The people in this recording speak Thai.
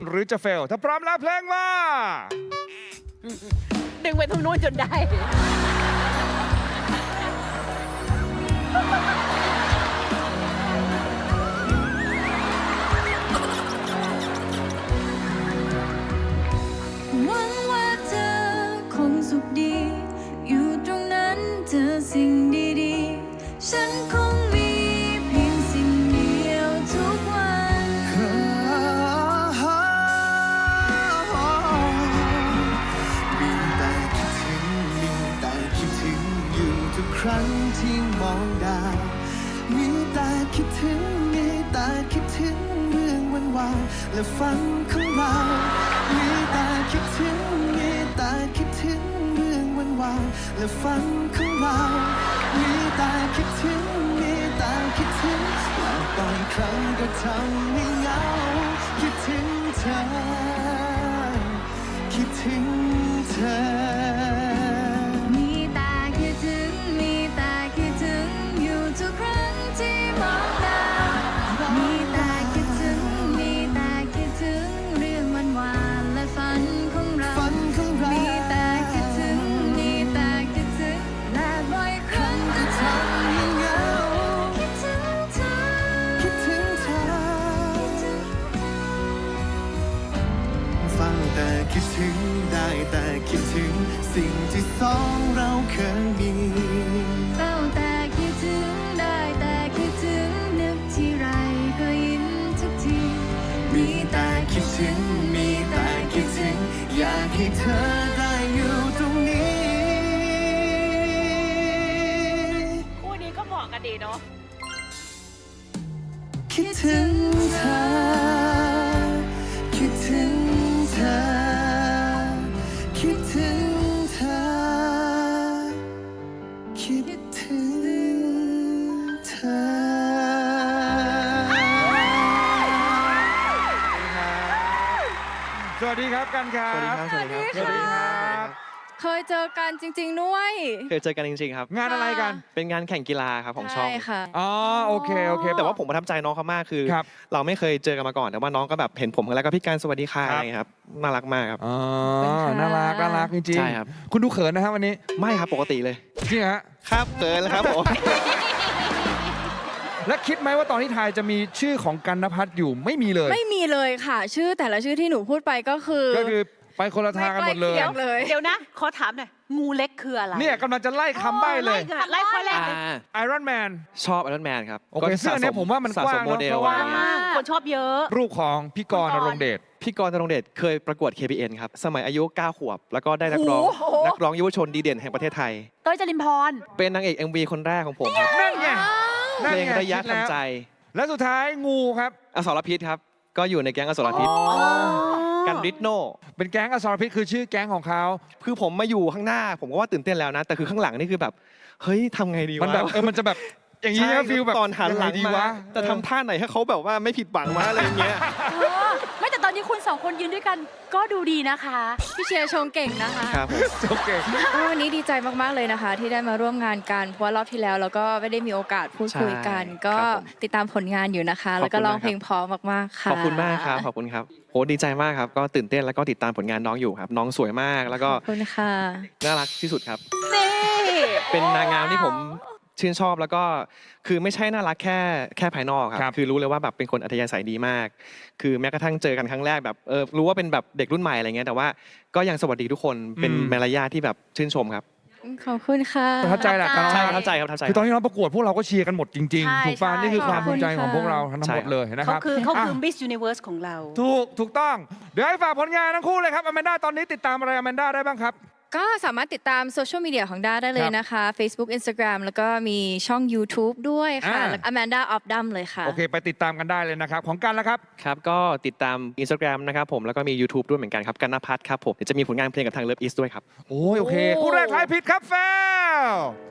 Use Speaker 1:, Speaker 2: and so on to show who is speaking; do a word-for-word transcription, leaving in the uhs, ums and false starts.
Speaker 1: หรือจะเฟลถ้าพร้อมแล้วเพลงมา
Speaker 2: ดึงไปตรงนู้นจนได้
Speaker 3: หวังว่าเธอคงสุขดีอยู่ตรงนั้นเจอสิ่งดีๆฉันคงมีเพียงสิ่งเดียวทุกวัน
Speaker 4: มีแต่คิดถึงมีแต่คิดถึงอยู่ทุกครั้งที่มองดาวมีแต่คิดถึงมีแต่คิดถึงเรื่องวันวานและฝันของเรามีแต่คิดถึงมีแต่คิดถึงเรื่องวันวานและฝันของเรามีแต่คิดถึงมีแต่คิดถึงและบางครั้งก็ทำให้เหงาคิดถึงเธอคิดถึงเธอ
Speaker 3: มีแต่คิดถึงมีแต่คิดถึงอยู่ทุกครั้งที่มองดาวมีแต่คิดถึงมีแต่คิดถึงเรื่องวันวานและฝันของเรา
Speaker 4: ฝันของเรา
Speaker 3: มีแต่คิดถึงมีแต่คิดถึงและบ่อยครั้งก็ทำให้เหงาคิดถึงเธอ
Speaker 4: คิดถึงเธอฟังแต่คิดถึงได้แต่คิดถึงสิ่งที่สองเราเคยมี
Speaker 3: เฝ้าแต่คิดถึงได้แต่คิดถึงนึกที่ไรก็ยิ้มทุกที
Speaker 4: มีแต่คิดถึงมีแต่คิดถึงอยากให้เธอได้อยู่ตรงนี้
Speaker 2: คู่นี้ก็เหมาะกันดีเนาะ
Speaker 4: คิดถึงเธอคิดถึงเธอคิดถึงเธอคิดถึงเธอ
Speaker 1: สวัสดีครับกันครับ
Speaker 5: สวัสดีครับ
Speaker 1: สวัสดีครับ
Speaker 3: เคยเจอกันจริงๆด้วย
Speaker 5: เคยเจอกันจริงๆครับ
Speaker 1: งานอะไรกัน
Speaker 5: เป็นงานแข่งกีฬาครับของช่อง
Speaker 3: ใช่ค่ะ
Speaker 1: อ๋อโอเคโอเค
Speaker 5: แต่ว่าผมประทับใจน้องเขามากคือ
Speaker 1: ครับ
Speaker 5: เราไม่เคยเจอกันมาก่อนแต่ว่าน้องก็แบบเห็นผมแล้วก็พี่การสวัสดีค่ะ
Speaker 1: ครับ
Speaker 5: อะไรอย่างเงี้ยครับน่ารักมากครับ
Speaker 1: อ๋อ
Speaker 3: ขอบคุณค่ะ
Speaker 1: น่ารักน่ารักจริงๆ
Speaker 5: ใช่ครับ
Speaker 1: คุณดูเขินนะครับวันนี้
Speaker 5: ไม่ครับปกติเลย
Speaker 1: จริงเหรอฮะ
Speaker 5: ครับเกินแล้วครับผม
Speaker 1: และคิดไหมว่าตอนที่ทายจะมีชื่อของกันนภัทรอยู่ไม่มีเลย
Speaker 3: ไม่มีเลยค่ะ ชื่อแต่ละชื่อที่หนูพูดไปก็คือ
Speaker 1: ก็คือไปคนละทางกันหมดเลย
Speaker 3: ไม่ใกล้เคียงเลย
Speaker 2: เดี๋ยวนะ ขอถามหน่อย งูเล็กคืออะไร
Speaker 1: เนี่ยกำลังจะไล่คำใบ้เลย
Speaker 2: ไล่ไล่ข้อแรกเลย
Speaker 1: ไอรอนแมน
Speaker 5: ชอบไอรอนแมนครับ
Speaker 1: โอเคซึ่งอันเนี้ยผมว่ามัน
Speaker 5: สะ
Speaker 1: กว้า
Speaker 5: ส
Speaker 1: ง
Speaker 5: มโมเดล
Speaker 1: เพราะว่า
Speaker 5: อะไรเงี้ย
Speaker 2: คนชอบเยอะ
Speaker 1: รูปของพี่กรณ์ณรงค์เดช
Speaker 5: พี่กรณ์ณรงค์เดชเคยประกวด เค พี เอ็น ครับ สมัยอายุ เก้า ขวบ แล้วก็ได้นักร้อง
Speaker 2: โอ้โห
Speaker 5: นักร้องเยาวชนดีเด่นแห่งประเทศไทย
Speaker 2: เต้ยจรินพร
Speaker 5: เป็นนางเอก เอ็ม วี คนแรกของผมครับ
Speaker 1: นั่นไงนั่น
Speaker 5: เพลง
Speaker 1: ไง
Speaker 5: ระยะ
Speaker 1: คิดแล้ว
Speaker 5: ทำใจ
Speaker 1: และสุดท้ายงูครับ
Speaker 5: อสรพิษครับ ก็อยู่ในแก๊งอสรพิษ กันริทโน
Speaker 1: เป็นแก๊งอสรพิษคือชื่อแก๊งของเขา
Speaker 5: คือผมมาอยู่ข้างหน้า ผมก็ว่าตื่นเต้นแล้วนะ แต่คือข้างหลังนี่คือแบบ เฮ้ยทำไงดีวะ
Speaker 1: มันแบบเออมันจะแบบอย่างนี้
Speaker 5: ใช่
Speaker 1: นะฟิลแบบ
Speaker 5: ตอนหันหลัง
Speaker 1: ยัไดี
Speaker 5: มาว
Speaker 1: ะ
Speaker 5: จะทำท่าไหนให้เขาแบบว่าไม่ผิดหวังวะอะไรอย่างเงี้ย
Speaker 2: เออไม่แต่ตอนนี้คุณสองคนยืนด้วยกันก็ดูดีนะคะ
Speaker 3: พี่เชียร์ชงเก่งนะคะ
Speaker 5: ครับผม
Speaker 1: โอเค
Speaker 3: ก็วันนี้ดีใจมากๆเลยนะคะ ที่ได้มาร่วมงานกันเพราะว่ารอบที่แล้วเราก็ไม่ได้มีโอกาสพูดคุยกัน
Speaker 5: ใช่
Speaker 3: ก็
Speaker 5: ครับผม
Speaker 3: ติดตามผลงานอยู่นะคะ
Speaker 5: ขอบคุณ
Speaker 3: แล้วก็ร้อง
Speaker 5: มากครับ
Speaker 3: เพลงเพราะมากๆค่ะ
Speaker 5: ขอบคุณมากครับ ขอบคุณครับโหดีใจมากครับ ก็ตื่นเต้นแล้วก็ติดตามผลงานน้องอยู่ครับ น้องสวยมาก แล้วก็
Speaker 3: ขอบคุณค่ะ
Speaker 5: น่ารักที่สุดครับ
Speaker 2: นี่
Speaker 5: เป็นนางงามที่ผมชื่นชอบแล้วก็คือไม่ใช่น่ารักแค่แค่ภายนอกค
Speaker 1: ครั
Speaker 5: รับ บ คือรู้เลยว่าแบบเป็นคนอัธยาศัยดีมาก คือแม้กระทั่งเจอกันครั้งแรกแบบเออรู้ว่าเป็นแบบเด็กรุ่นใหม่อะไรเงี้ยแต่ว่าก็ยังสวัสดีทุกคนเป็น
Speaker 1: อืม
Speaker 5: มารยาทที่แบบชื่นชมครับ
Speaker 3: ขอบคุณค่ะ
Speaker 1: ประทับใจแหละกัน
Speaker 5: ใช่ประทับใจครับประทับใจ
Speaker 1: คือตอนที่เราประกวดพวกเราก็เชียร์กันหมดจริง
Speaker 2: ใช่
Speaker 1: ๆ ถูกป่ะ
Speaker 2: ใช่
Speaker 1: นี่คือความ
Speaker 3: ขอบคุ
Speaker 1: ภู
Speaker 3: ณ
Speaker 1: มิใจของ
Speaker 3: ค่ะ
Speaker 1: พวกเราทั้งหมดเลยนะค
Speaker 2: เขา
Speaker 1: รับ
Speaker 2: คือเขาคือ
Speaker 1: อ่ะ
Speaker 2: Miss Universe ของเรา
Speaker 1: ถูกถูกต้อง เดี๋ยวให้ฝากผลงานทั้งคู่เลยครับอแมนด้าตอนนี้ติดตามอะไรอแมนด้าได้บ้างครับ
Speaker 3: ก็สามารถติดตามโซเชียลมีเดียของด้าได้เลยนะคะ Facebook Instagram แล้วก็มีช่อง YouTube ด้วยค่ะ
Speaker 1: อ่า
Speaker 3: แล้ว Amanda of Dum เลยค่ะ
Speaker 1: โอเค ไปติดตามกันได้เลยนะครับ ของกันแล้วครับ
Speaker 5: ครับก็ติดตาม Instagram นะครับผมแล้วก็มี YouTube ด้วยเหมือนกันครับกันนภัทรครับผมเดี๋ยวจะมีผลงานเพลงกับทาง Love East ด้วยครับ
Speaker 1: โอ้ยโอเคคู่แรกทายผิดครับแฟล